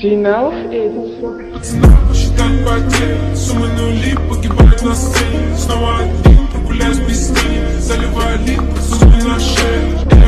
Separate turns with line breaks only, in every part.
Final Hits.
Снова считать потери, суммы нули погибают на сцене. Снова один, прогуляюсь без тени, заливая лип, суммы на шее.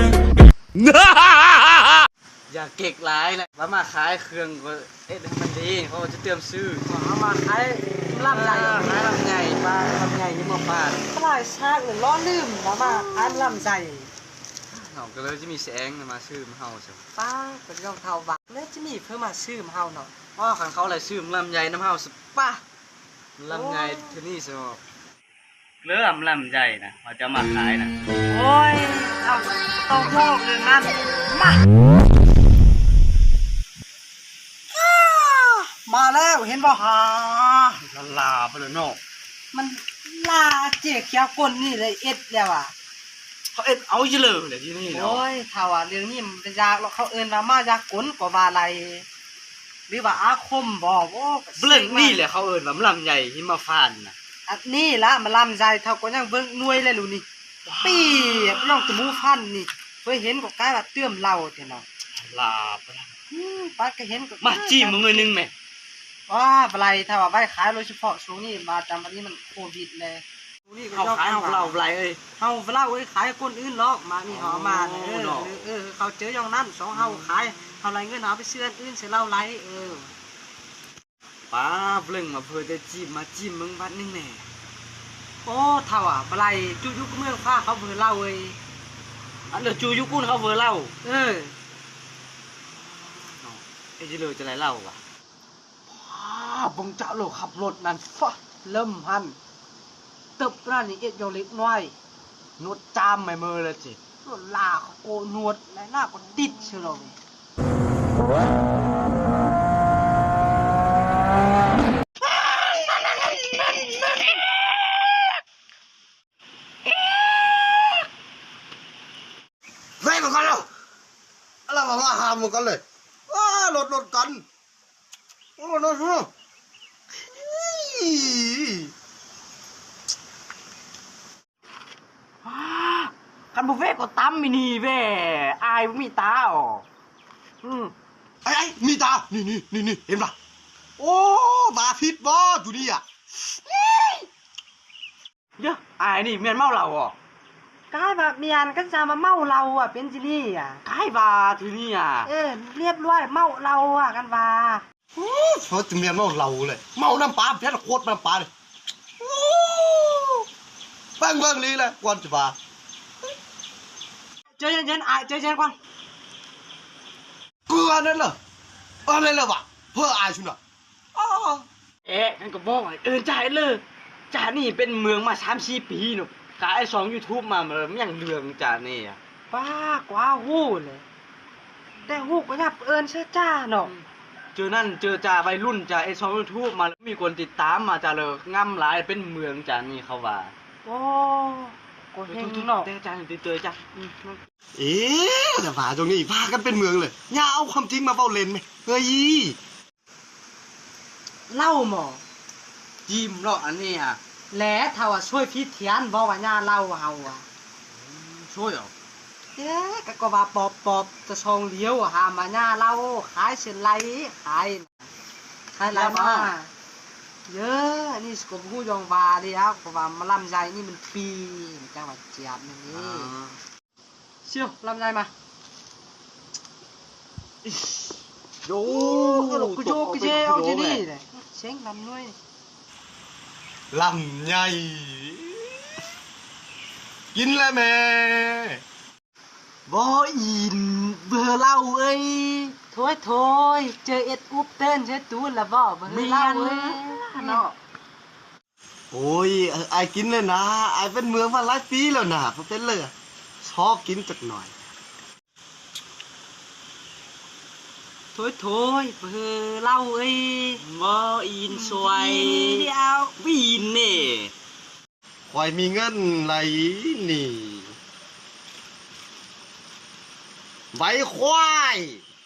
อย่าเก๊กหลายนะว่ามาขายเครื่องก็ให้มันดีเขาจะเติมซื้อเอามาขายลำใหญ่ขายลำใหญ่ปลาลำใหญ่นี่มาฟาด
ปลายชากหรือล้อลืมแล้วมาอันลำใจ
เขาก็เลยจะมีแสงมาซื้อมาเฮาใช่
ป้าเป็นรองเท้าบักแล้วจะมีเพื่อมาซื้อมาเฮาเนาะ
อ๋อขันเขาอะไรซื้อลำใหญ่น้ำเฮาสป้าลำใหญ่ที่นี่สมบเริ่มลำใหญ่นะเขาจะมาขายนะ
โอ้ยเอาต้องโลกเรื่องนั้นมาแล้วเห็นบ่ฮะ
ลาไปเลยเนาะ
มันลาเจ๊เขียวก้นนี่เลยเอ็ดแล้วอ่ะ
เขาเอ็ดเอาเยอะเลยที่นี่เนาะ
โอ้ยถ้าว่าเรื่องนี้มันเป็นยากแล้วเขาเอิ้นว่ามายากลกว่าอะไรหรือว่าอาคมบ่โอ้
เบลงนี่แหละเขาเอิญว่าลำใหญ่ที่มาฟาดนะ
อันนี้ละมันลำใจเท่าก็ยังเบิ่งหน่วยเลยลูนี่ปีน้องตะมูพันนี่เคยเห็นก็กลายว่าเตื้อมเหล้าแท้เนาะ
ลาไปแล้ว
ป้าก็เห็นก็
มาจิ้มมึงหน่อยนึงแม่
ว่าอะไรถ้าว่าไว้ขายโดยเฉพาะช่วงนี้มาจำวันนี้มันโควิดเลยช่วงนี้ก็
เอาขายเอาเราไรเอ้ย
เฮาเหล้าเอ้ยขายคนอื่นหรอกมานี่เฮามาเขาเจออย่างนั้นสองเฮาขายเฮาไรเงินเอาไปซื้ออันอื่นซื้อเหล้าไร
ป้าเบลงมาเพื่อจะจิ้มมาจิ้มมึงวัดนึงแน่
โอ้เท่าอ่ะอะไรจุยุกเมืองผ้าเขาเบื่อเหล้าเอ้ย
อันเดี๋ยวจูยุกุ้นเขาเวอร์เล่า
เ
ไอ้จิเลยจะไรเล่าว่ะบงเจ้าโลขับรถนั่นฟะ
เริ่มหันตึบร้านนี้เอ็ดโยเล็กน้อย
นวดจามไม่มือเลยจิ
รถลาโกนวดและหน้าก็ดิดเชียวเลย
เฮ้ยเหมือนกันแล้วอะไรมาหาเหมือนกันเลยว้ารถกันโอ้รถ
คันบุฟเฟ่ก็ตั้มมินีเว้อายมีตาอ๋อ
ไอ้มีตานี่เห็นปะโอ้บาพิษบอดูนี่อ่ะ
เยอะอายนี่เมียนเมาเราอ๋อก
ายแบบเมียนก็จะมาเมาเราอ่ะเป็นจิลี่อ่ะ
กายบาทีนี่อ่ะ
เรียบร้อยเมาเราอ่ะกันว่า
เขาจะเมียนเมาเราเลยเมาน้ำปลาแพ้โคตรน้ำปลาเลยเบิ้งนี่แหละกวนจะบา
เจอเย็นๆเจอเย็นก่อน
เกลือนั่นเหรออะไรเหรอวะเพื่ออายชุนอ่ะ
กันก็บอกไอ้จ่ายเลยจ่านี่เป็นเมืองมา3-4 ปีหนูกายช่อง YouTube มามันยังเรื่องจ่านี่อ่ะ
ป้ากว่าหู้เลยแต่หู้ก็ยับเอิญเชื่อจ้าเนาะ
เจอนั่นเจอจ่าวัยรุ่นจ่าไอ้ช่อง YouTube มาแล้วมีคนติดตามมาจ่าเลยง่ำหลายเป็นเมืองจ่านี่เขาว่า
โอ้ก็เฮงเนาะ
แต่จ่าติดเตยจ่า
แต่ฝาตรงนี้พากันเป็นเมืองเลยอย่าเอาความจริงมาเบ้าเล่นไหมเฮ้ย
เล่าหมอ
ยิ้มเนาะอันนี้อ่ะ
แหละถ้าว่าช่วยพี่เทียนบอกว่าย่าเล่าเฮาอ่ะ
ช่วยเหรอ
ก็ว่าปอบจะชองเลี้ยวหามาย่าเล่าขายเส้นไหลขายไรมาเยอะอันนี้สกปรกยองวาเลยครับเพราะว่ามาลำไยนี่มันปีจังหวัดเจียบนี่เชี่ยวลำไยมา
โย
กูโยกเจเอาที่นี่เลยเช็งลำน้อย
ลำใหญ่กินเลยแม่
บ่อินเบื่อเล่าเอ้ยโถยเจอเอ็ดอุบเต้นใช้ตูนละบ่เบื่อเล่าเอ้ยเนาะ
โอ้ยไอ้กินเลยนะไอ้เป็นเมืองมาหลายปีแล้วนะเพราะเป็นเลยชอบกินจักหน่อย
โถยเบื่อเล่าเอ้ย
บ่อินสวย
เดียว
วีนเน่
ควายมีเงินไหลนี่ใบควาย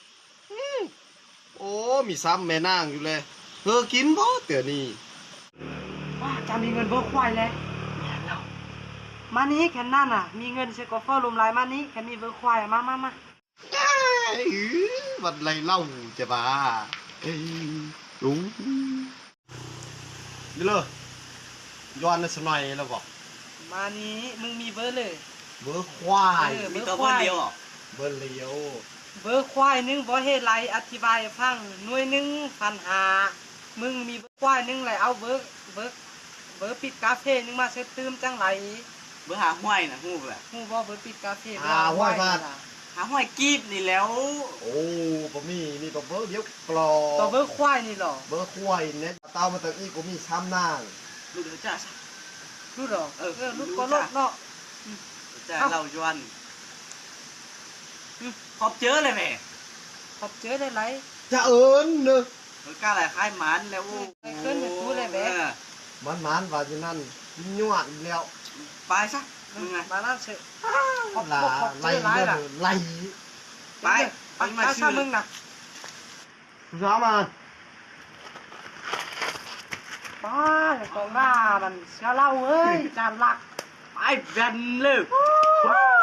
โอ้มีซ้ำแม่นางอยู่เลยเธอกินบ่เดี๋ยวนี้
ว่าจะมีเงินเบิกควายเลยมานี้แค่นั่นอ่ะมีเงินเซกอเฟอร์ลมลายมานี้แค่มีเบิกควายมา
วันไรเล่าจะบ้า đúng đi lơ doan nó sầm này là vọc
มานี้มึงมีเบอร์เลย
vớ khoai
มีตัวเพิ่นเดียวเหรอ
vớ liếu
เบอร์ควายหนึงบ่เฮ็ดไรอธิบายให้ฟังหน่วยหนึงพันหามึงมีเบอร์ควายหนึงเลยเอาเบอร์ปิดกาเฟ่หนึงมาเซ็ตตื้มจังไร
เบอร์หาห้วยน่ะฮู้แหละ
ฮู้บ่เบอร์ปิดกาเฟ่
ห้วยบ้าน
หาห้วยกีบนี่แล้ว
ô có mi có vớ liếu
ตัว
clò
เบอร์ควายนี่หรอ
vớ khoai nè tao mà tự y có mi sam nang
ลูกเดือจ้าซะ
รู้หรอ
เออ
รู้
รู้
ก็
จ้ะ
รถเนาะ
จ้าเราจวนขอบเจอเลยแม่
ขอบเจอได้ไร
chả ớn nữa
เออกล้าหลายคล้ายหมันแล้วโอ้
ไปขึ้นไปพูดเลยแม่
mán mán vào như năn nhọn lẹo
ไปซะมึงไง
มานั่นเถอะ ขอบ
là
เจอ
lay
ไรล่ะ
lay
ไปไปมา
ถ้า
ชื่อ
มึงน่ะ
giá mà
ป้าของบ้ามันเสียเล่าเอ้ยจานหลัก
ไปแบนเลย
ว้าว